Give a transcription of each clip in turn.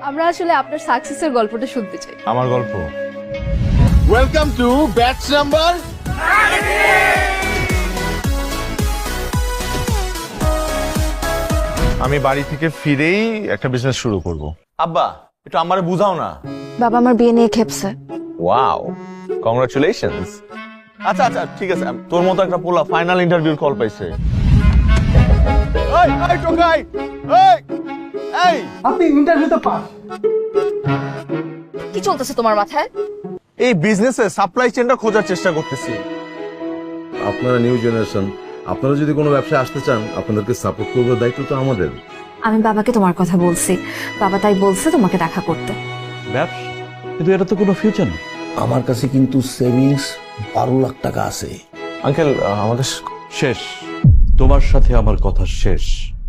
আমরা আসলে আপনার সাকসেসের গল্পটা শুনতে চাই। আমার গল্প। Welcome to batch number. আমি বাড়ি থেকে ফিরেই একটা বিজনেস শুরু করব। আব্বা একটু আমারে বুঝাও না। বাবা আমার বিয়ে নিয়ে খেপছে। Wow, congratulations. আচ্ছা আচ্ছা ঠিক আছে, তোর মতো একটা পোলা ফাইনাল ইন্টারভিউর কল পাইছে। এই এই টোকাই, এই এই আপনি ইন্টারভিউতে পাস। কি চলতেছে তোমার মাথায়? এই বিজনেসে সাপ্লাই চেইনটা খোঁজার চেষ্টা করতেছি। আপনারা নিউ জেনারেশন, আপনারা যদি কোনো ব্যবসায় আসতে চান আপনাদেরকে সাপোর্ট করবার দায়িত্ব তো আমাদের। আমি বাবাকে তোমার কথা বলছি, বাবা তাই বলছে তোমাকে দেখা করতে। ব্যবসা, কিন্তু এটা তো কোনো ফিউচার নেই। আমার কাছে কিন্তু সেভিংস 12 লাখ টাকা আছে। আঙ্কেল আমাদের শেষ, তোমার সাথে আমার কথা শেষ।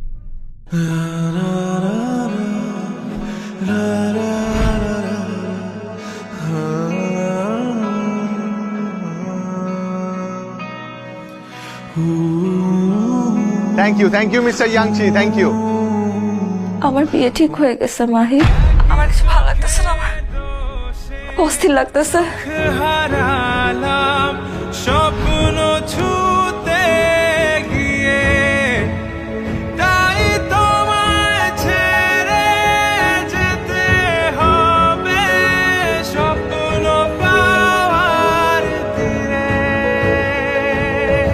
Thank you mister Yangchi, thank you. আমার বিয়ে ঠিক হয়ে গেছে মাহি। আমার কিছু ভালো লাগতেছে না, আমার অস্থির লাগতেছে। হারালাম স্বপ্ন